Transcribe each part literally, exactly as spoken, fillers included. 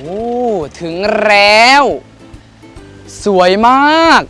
ถึงแล้วสวยมาก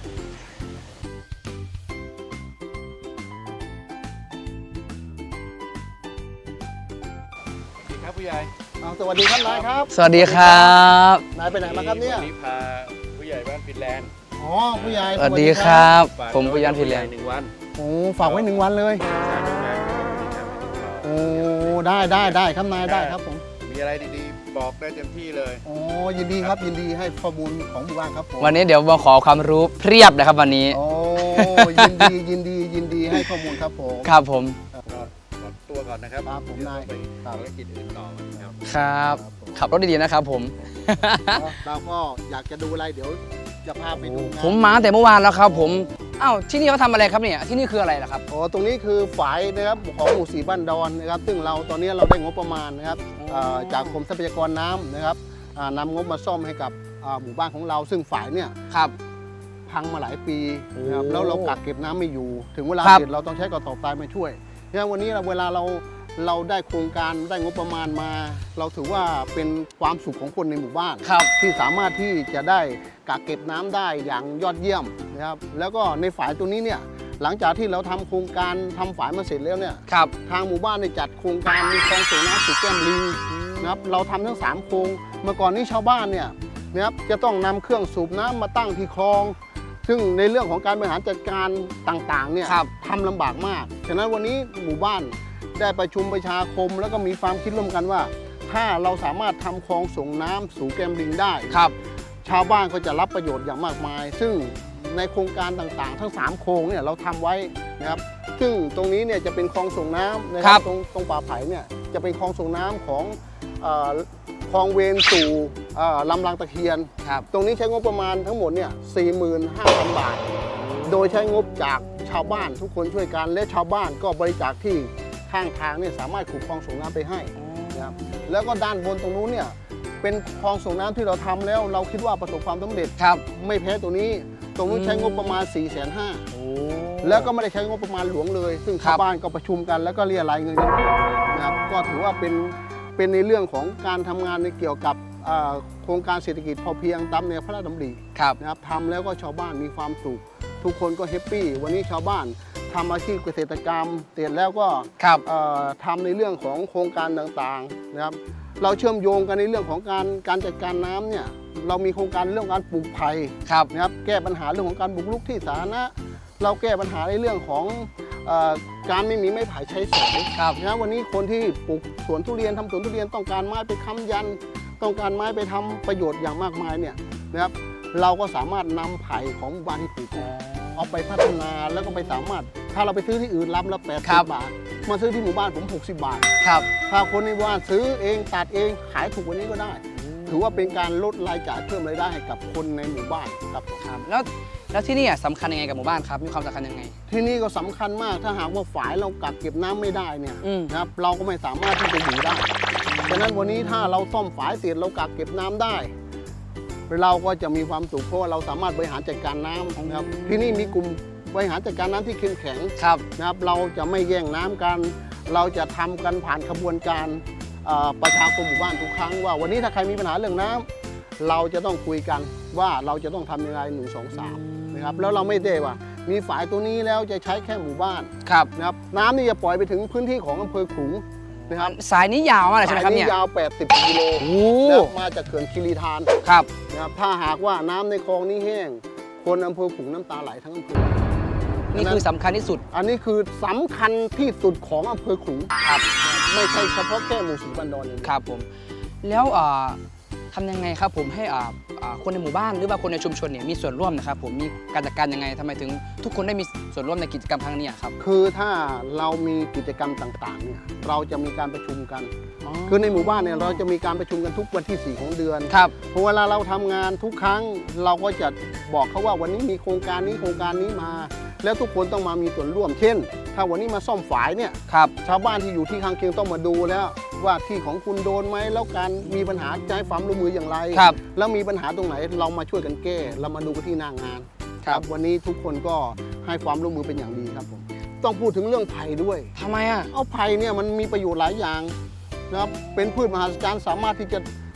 ครับผู้ใหญ่สวัสดีครับนายครับสวัสดีครับนายไปไหนมาครับเนี่ยวันนี้พาผู้ใหญ่บ้านฟินแลนด์อ๋อผู้ใหญ่สวัสดีครับฝากผมปุยันฟินแลนด์หนึ่งวันโอ้ฝากไว้หนึ่งวันเลยสร้างโรงงานที่ทำให้ถึงเราโอ้ได้ได้ได้ครับนายได้ครับผมมีอะไรดีๆบอกได้เต็มที่เลยโอ้ยินดีครับยินดีให้ข้อมูลของหมู่บ้านครับผมวันนี้เดี๋ยวมาขอความรู้เพียบนะครับวันนี้โอ้ยินดียินดียินดีให้ข้อมูลครับผมครับผมก็ขอตัวก่อนนะครับครับผมนายเดี๋วไปภารกิจอื่นต่อครับครับ ขับรถดีๆนะครับผมเราก็อยากจะดูอะไรเดี๋ยวจะพาไปดูงานผมมาแต่เมื่อวานแล้วครับผมอ้าวที่นี่เขาทำอะไรครับเนี่ยที่นี่คืออะไรล่ะครับอ๋อตรงนี้คือฝายนะครับของหมู่สีบ้านดอนนะครับซึ่งเราตอนนี้เราได้งบประมาณนะครับอ๋อเอ่อจากกรมทรัพยากรน้ำนะครับอ่านำงบมาซ่อมให้กับอ่าหมู่บ้านของเราซึ่งฝายเนี่ยครับพังมาหลายปีนะครับโอ้แล้วเรากักเก็บน้ำไม่อยู่ ถึงเวลาครับเสร็จเราต้องใช้กระสอบทรายมาช่วยดังนั้นวันนี้เราเวลาเราเราได้โครงการได้งบประมาณมา เราถือว่าเป็นความสุขของคนในหมู่บ้านครับที่สามารถที่จะได้กักเก็บน้ำได้อย่างยอดเยี่ยมนะครับแล้วก็ในฝายตัวนี้เนี่ยหลังจากที่เราทำโครงการทำฝายมาเสร็จแล้วเนี่ยครับทางหมู่บ้านได้จัดโครงการมีคลองส่งน้ำสู่แก้มลิงนะครับเราทำทั้งสามโครงเมื่อก่อนนี้ชาวบ้านเนี่ยนะครับจะต้องนำเครื่องสูบน้ำมาตั้งที่คลอง ซึ่งในเรื่องของการบริหารจัดการต่างๆเนี่ยครับทำลำบากมากฉะนั้นวันนี้หมู่บ้านได้ประชุมประชาคม แล้วก็มีความคิดร่วมกันว่า ถ้าเราสามารถทำคลองส่งน้ำสู่แก้มลิงได้ครับชาวบ้านก็จะรับประโยชน์อย่างมากมาย ซึ่งในโครงการต่างๆ ทั้งสามโครงเนี่ยเราทำไว้นะครับซึ่งตรงนี้เนี่ยจะเป็นคลองส่งน้ำนะคครัรับบ ตรงตรงป่าไผ่เนี่ยจะเป็นคลองส่งน้ำของเอ่อคลองเวนสู่เอ่อลำลางตะเคียนครับตรงนี้ใช้งบประมาณทั้งหมดเนี่ย สี่หมื่นห้าพัน บาท โดยใช้งบจากชาวบ้านทุกคนช่วยกัน และชาวบ้านก็บริจาคที่ข้างทางเนี่ยสามารถขุดคลองส่งน้ำไปให้นะครับแล้วก็ด้านบนตรงนู้นเนี่ยเป็นคลองส่งน้ำที่เราทำแล้ว เราคิดว่าประสบความสำเร็จครับไม่แพ้ตัวนี้ ตรงนู้นใช้งบประมาณ สี่แสนห้าโอ้แล้วก็ไม่ได้ใช้งบประมาณหลวงเลย ซึ่งครัชาวบบ้านก็ประชุมกันแล้วก็เรียรายเงินกันนะครับก็ถือว่าเป็นเป็นในเรื่องของการทำงานในเกี่ยวกับเอ่อโครงการเศรษฐกิจพอเพียงตามแนวพระราชดำริครับนะครับทำแล้วก็ชาวบ้านมีความสุข ทุกคนก็แฮปปี้วันนี้ชาวบ้านทำอาชีพเกษตรกรรมเสร็จแล้วก็ครับเอ่อทำในเรื่องของโครงการต่างๆนะครับเราเชื่อมโยงกันในเรื่องของการการจัดการน้ำเนี่ยเรามีโครงการเรื่องการปลูกไผ่ครับนะครับแก้ปัญหาเรื่องของการบุกรุกที่สาธารณะเราแก้ปัญหาในเรื่องของเอ่อการไม่มีไม้ไผ่ใช้สอยครับนะวันนี้คนที่ปลูกสวนทุเรียนทำสวนทุเรียนต้องการไม้ไปค้ำยัน ต้องการไม้ไปทำประโยชน์อย่างมากมายเนี่ยนะครับเราก็สามารถนำไผ่ของหมู่บ้านที่ปลูกเนี่ยเอาไปพัฒนาแล้วก็ไปสามารถ ถ้าเราไปซื้อที่อื่นรับละแปดครัสิบบบาท มาซื้อที่หมู่บ้านผมหกสิบบาทครับถ้าคนในหมู่บ้านซื้อเองตัดเองขายถูกกว่านี้ก็ได้ ถือว่าเป็นการลดรายจ่ายเพิ่มรายได้ให้กับคนในหมู่บ้านครับผมครับแล้วแล้วที่นี่อ่ะสำคัญยังไงกับหมู่บ้านครับมีความสำคัญยังไงที่นี่ก็สำคัญมากถ้าหากว่าฝายเรากักเก็บน้ำไม่ได้เนี่ยอืมนะครับเราก็ไม่สามารถที่จะอยู่ได้ฉะนั้นวันนี้ถ้าเราซ่อมฝายเสร็จเรากักเก็บน้ำได้ เราก็จะมีความสุขเพราะว่าเราสามารถบริหารจัดการน้ำนะครับที่นี่มีกลุ่มบริหารจัดการน้ำที่เข้มแข็งครับนะครับเราจะไม่แย่งน้ำกัน เราจะทำกันผ่านขบวนการเอ่อประชาคมหมู่บ้านทุกครั้งว่าวันนี้ถ้าใครมีปัญหาเรื่องน้ำเราจะต้องคุยกันว่าเราจะต้องทำยังไงหนึ่งสองสามนะครับแล้วเราไม่ได้ว่า มีฝายตัวนี้แล้วจะใช้แค่หมู่บ้านครับนะครับน้ำนี่จะปล่อยไปถึงพื้นที่ของอำเภอขลุงนะครับสายนี้ยาวมากเลยใช่ไหมครับสายเนี่ยนี้ยาว แปดสิบ กิโลโอ้แล้วมาจากเขื่อนคีรีธานครับนะครับถ้าหากว่าน้ำในคลองนี้แห้ง คนอำเภอขลุงน้ำตาไหลทั้งอำเภอนี่คือสำคัญที่สุดอันนี้คือสำคัญที่สุดของอำเภอขลุงครับไม่ใช่เฉพาะแค่หมู่สีบันดอนอย่างเดียวครับผมแล้วอ่าทำยังไงครับผมให้อ่าอ่าคนในหมู่บ้านหรือว่าคนในชุมชนเนี่ยมีส่วนร่วมนะครับผมมีการจัดการยังไงทำไมถึงทุกคนได้มีส่วนร่วมในกิจกรรมครั้งนี้ครับคือถ้าเรามีกิจกรรมต่างๆเนี่ยเราจะมีการประชุมกัน คือในหมู่บ้านเนี่ยเราจะมีการประชุมกันทุกวันที่สี่ของเดือนครับพอเวลาเราทำงานทุกครั้งเราก็จะบอกเขาว่าวันนี้มีโครงการนี้โครงการนี้มา แล้วทุกคนต้องมามีส่วนร่วม เช่น ถ้าวันนี้มาซ่อมฝายเนี่ยครับชาวบ้านที่อยู่ที่ข้างเคียงต้องมาดูแล้วว่าที่ของคุณโดนไหมแล้วการมีปัญหาจะให้ความร่วมมืออย่างไรครับแล้วมีปัญหาตรงไหนเรามาช่วยกันแก้เรามาดูกันที่หน้างานครับวันนี้ทุกคนก็ให้ความร่วมมือเป็นอย่างดีครับผมต้องพูดถึงเรื่องไผ่ด้วยทำไมอ่ะเอาไผ่เนี่ยมันมีประโยชน์หลายอย่างนะครับเป็นพืชมหัศจรรย์สามารถที่จะ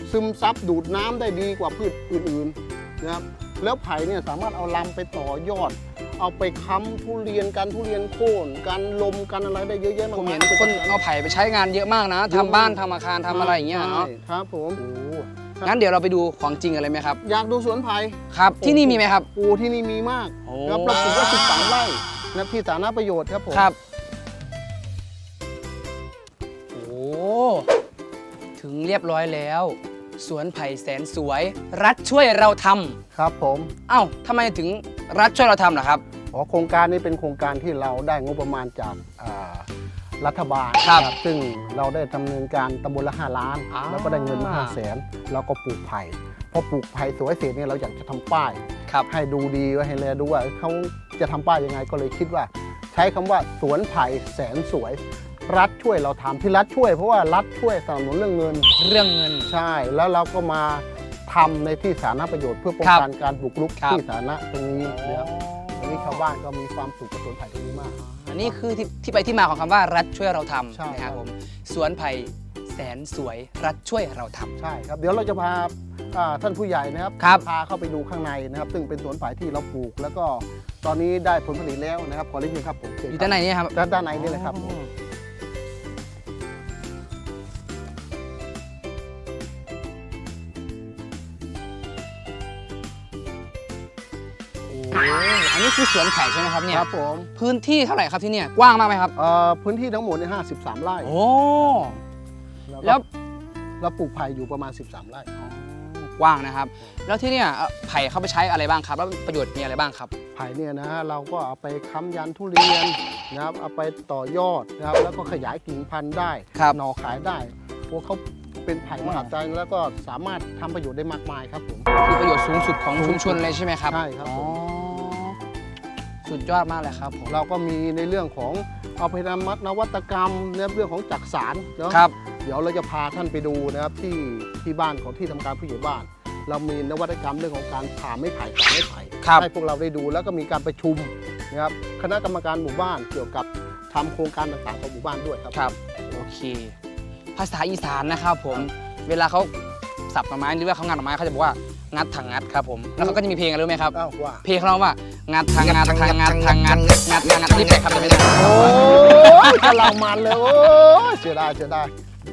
ซึมซับดูดน้ำได้ดีกว่าพืชอื่นๆนะครับแล้วไผ่เนี่ยสามารถเอาลำไปต่อยอด เอาไปค้ำทุเรียนกันทุเรียนโค่นกันลมกันอะไรได้เยอะแยะมากผมมายเห็นคนเอาไผ่ไปใช้งานเยอะมากนะทำบ้านทำอาคารทำอะไรอย่างเงี้ยเนาะใช่ครับผมโอ้งั้นเดี๋ยวเราไปดูของจริงกันเลยไหมครับอยากดูสวนไผ่ครับ ที่นี่มีไหมครับโอ้ที่นี่มีมากโอ้ครับเราปลูกไว้สิบสามไร่นะที่สาธารณประโยชน์ครับผมครับโอ้ถึงเรียบร้อยแล้ว สวนไผ่แสนสวย รัฐช่วยเราทำครับผมเอ้าทำไมถึงรัฐช่วยเราทำล่ะครับอ๋อโครงการนี้เป็นโครงการที่เราได้งบประมาณจากอ่ารัฐบาลครับนะซึ่งเราได้ดำเนินการตำบลละห้าล้านอ่าแล้วก็ได้เงินมาห้าแสนแล้วก็ปลูกไผ่พอปลูกไผ่สวยเสร็จเนี่ยเราอยากจะทำป้ายครับให้ดูดีไว้ให้แลดูว่าเขาจะทำป้ายยังไงก็เลยคิดว่า ใช้คำว่าสวนไผ่แสนสวย รัฐช่วยเราทำที่รัฐช่วยเพราะว่ารัฐช่วยสนับสนุนเรื่องเงินเรื่องเงินใช่แล้วเราก็มาทำในที่สาธารณประโยชน์เพื่อป้องครับกันการบุกรุกครับที่สาธารณะตรงนี้นะครับตรงนี้ชาวบ้านก็มีความสุขกับสวนไผ่ตรงนี้มากอันนี้คือที่ที่ไปที่มาของคำว่ารัฐช่วยเราทใช่ำนะคครัรับบ ผมสวนไผ่แสนสวย รัฐช่วยเราทำใช่ครับเดี๋ยวเราจะพาอ่าท่านผู้ใหญ่นะครับครับพาเข้าไปดูข้างในนะครับ ซึ่งเป็นสวนไผ่ที่เราปลูก แล้วก็ตอนนี้ได้ผลผลิตแล้วนะครับขอเรียนเชิญครับผมเชิญอยู่ด้านในนี่ครับด้านด้านในนี่เลยครับผมโอ้อันนี้คือสวนไผ่ใช่ไหมครับเนี่ยครับผมพื้นที่เท่าไหร่ครับที่เนี่ยกว้างมากไหมครับเอ่อพื้นที่ทั้งหมดเนี่ยห้าสิบสามไร่โอ้แล้แล้ว วเราปลูกไผ่อยู่ประมาณสิบสามไร่กว้างนะครับ แล้วที่เนี่ยเอ่อไผ่เข้าไปใช้อะไรบ้างครับ แล้วประโยชน์มีอะไรบ้างครับไผ่เนี่ยนะฮะเราก็เอาไปค้ำยันทุเรียนนะครับเอาไปต่อยอดนะครับแล้วก็ขยายกิ่งพันธุ์ได้ครับหน่อขายได้พวกเขาเป็นไผ่มหัศจรรย์แล้วก็สามารถทำประโยชน์ได้มากมายครับผมคือประโยชน์สูงสุดของชุมชนเลยใช่ไหมครับใช่ครับอ๋อผมสุดยอดมากเลยครับผมเราก็มีในเรื่องของเอาไปทำนวัตกรรมในเรื่องของจักสารเนาะครับเดี๋ยวเราจะพาท่านไปดูนะครับที่ที่บ้านของที่ทำการผู้ใหญ่บ้าน เรามีนวัตกรรมเรื่องของการผ่าไม้ไผ่ตัดไม้ไผ่ครับให้พวกเราได้ดูแล้วก็มีการประชุมนะครับคณะกรรมการหมู่บ้านเกี่ยวกับทำโครงการต่างๆของหมู่บ้านด้วยครับครับ โอเค ภาษาอีสานนะครับผม เวลาเขาสับหน่อไม้หรือว่าเขางัดหน่อไม้เขาจะบอกว่างัดทางงัดครับผม แล้วเขาก็จะมีเพลงอะไรรู้ไหมครับอ้าวว่าเพลงเขาร้องว่างัดทางงัดทางงัดทางงัดงัดทางงัดนี่แปลครับจะไม่ได้โอ้ยกำลังมันเลยโอ้ยเสียดายเสียดาย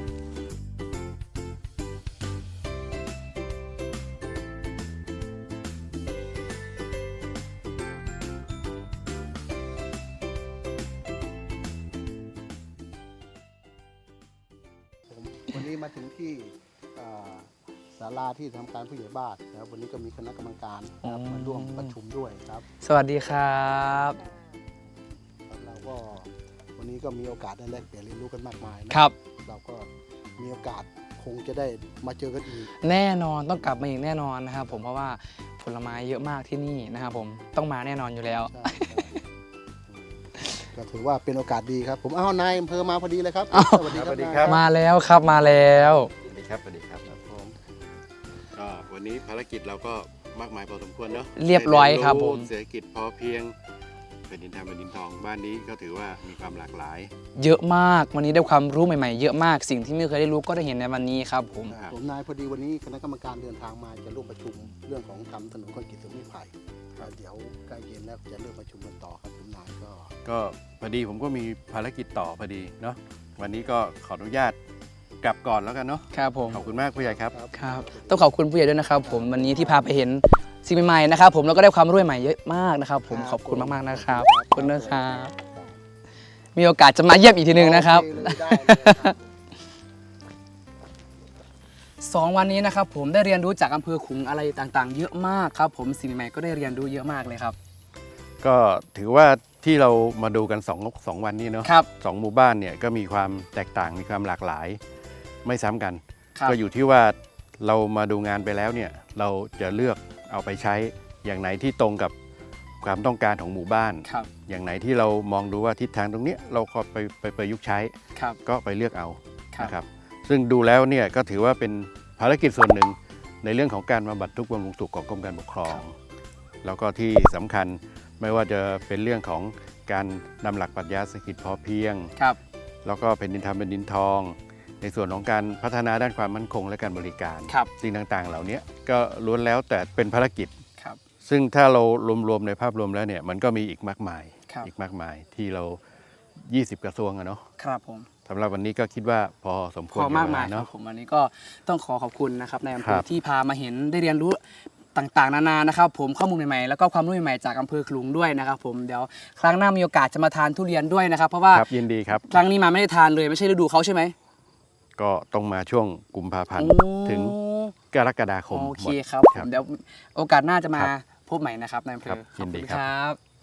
วันนี้มาถึงที่อ่าศาลาที่ทำการผู้ใหญ่บ้านนะครับวันนี้ก็มีคณะกรรมการนะครับมาร่วมประชุมด้วยครับสวัสดีครับเราก็วันนี้ก็มีโอกาสได้แลกเปลี่ยนเรียนรู้กันมากมายนะครับ เราก็มีโอกาสคงจะได้มาเจอกันอีกแน่นอนต้องกลับมาอีกแน่นอนนะครับผมเพราะว่าผลไม้เยอะมากที่นี่นะครับผมต้องมาแน่นอนอยู่แล้วใช่ครับก็ถือว่าเป็นโอกาสดีครับ ผมอ้าวนายอำเภอมาพอดีเลยครับอ้าวสวัสดีครับสวัสดีครับนายมาแล้วครับมาแล้วสวัสดีครับสวัสดีครับครับผมก็วันนี้ภารกิจเราก็มากมายพอสมควรเนาะเรียบร้อยครับผมเศรษฐกิจพอเพียงเป็นดินทำเป็นดินทองบ้านนี้ก็ถือว่ามีความหลากหลายเยอะมากวันนี้ได้ความรู้ใหม่ๆ เยอะมากสิ่งที่ไม่เคยได้รู้ก็ได้เห็นในวันนี้ครับผมครับผมนายพอดีวันนี้คณะกรรมการเดินทางมาจะร่วมประชุมเรื่องของทำถนนคอนกรีตสวนไม้ไผ่ครับเดี๋ยวใกล้เย็นแล้วจะเริ่มประชุมกันต่อครับผมนายก็ก็พอดีผมก็มีภารกิจต่อพอดีเนาะวันนี้ก็ขออนุญาตกลับก่อนแล้วกันเนาะครับผมขอบคุณมากผู้ใหญ่ครับครับต้องขอบคุณผู้ใหญ่ด้วยนะครับ ผมวันนี้ที่พาไปเห็นสิ่งใหม่ๆนะครับ ผมแล้วก็ได้ความรู้ใหม่เยอะมากนะครับ ผมขอบคุณมากๆนะครับขอบคุณนะครับมีโอกาสจะมาเยี่ยมอีกทีหนึ่งนะครับโอเเลยได้เลยครับสองวันนี้นะครับผมได้เรียนรู้จากอำเภอขลุงอะไรต่างๆ เยอะมากครับ ผมสิ่งใหม่ๆก็ได้เรียนรู้เยอะมากเลยครับก็ถือว่าที่เรามาดูกันสองสองวันนี้เนาะครับสองหมู่บ้านเนี่ยก็มีความแตกต่างมีความหลากหลาย ไม่ซ้ำกันครับก็อยู่ที่ว่าเรามาดูงานไปแล้วเนี่ยเราจะเลือกเอาไปใช้อย่างไหนที่ตรงกับความต้องการของหมู่บ้านครับอย่างไหนที่เรามองดูว่าทิศทางตรงเนี้ยเราก็ไปไปประยุกต์ใช้ครับก็ไปเลือกเอาครับนะครับซึ่งดูแล้วเนี่ยก็ถือว่าเป็นภารกิจส่วนหนึ่งในเรื่องของการบำบัดทุกข์บำรุงสุขของกรมการปกครอง แล้วก็ที่สำคัญไม่ว่าจะเป็นเรื่องของการนำหลักปรัชญาเศรษฐกิจพอเพียงครับแล้วก็เป็นดินทำเป็นดินทอง ในในส่วนของการพัฒนาด้านความมั่นคงและการบริการครับสิ่งต่างๆ เหล่านี้ก็ล้วนแล้วแต่เป็นภารกิจครับซึ่งถ้าเรารวมๆในภาพรวมแล้วเนี่ยมันก็มีอีกมากมายครับอีกมากมายที่เรา ยี่สิบ กระทรวงอะเนาะครับผมสำหรับวันนี้ก็คิดว่าพอสมควรขอมากมายแก่เวลครัเนาะบผมวันนี้ก็ต้องขอขอบคุณนะครับในอำเภครัอบ ที่พามาเห็นได้เรียนรู้ต่างๆ นานานะครับผมข้อมูลใหม่ๆแล้วก็ความรู้ใหม่ๆจากอำเภอขลุงด้วยนะครับผมเดี๋ยวครั้งหน้ามีโอกาสจะมาทานทุเรียนด้วยนะครับเพราะว่าครับยินดีครับครั้งนี้มาไม่ได้ทานเลยไม่ใช่ฤดูเขาใช่ไหมก็ต้องมาช่วงกุมภาพันธ์โอ้ถึงกรกฎาคมโอเคหมดครับผมเดี๋ยวโอกาสหน้าจะมาครับพบใหม่นะครับในอำเภครัอบยินดีขอณครับครับ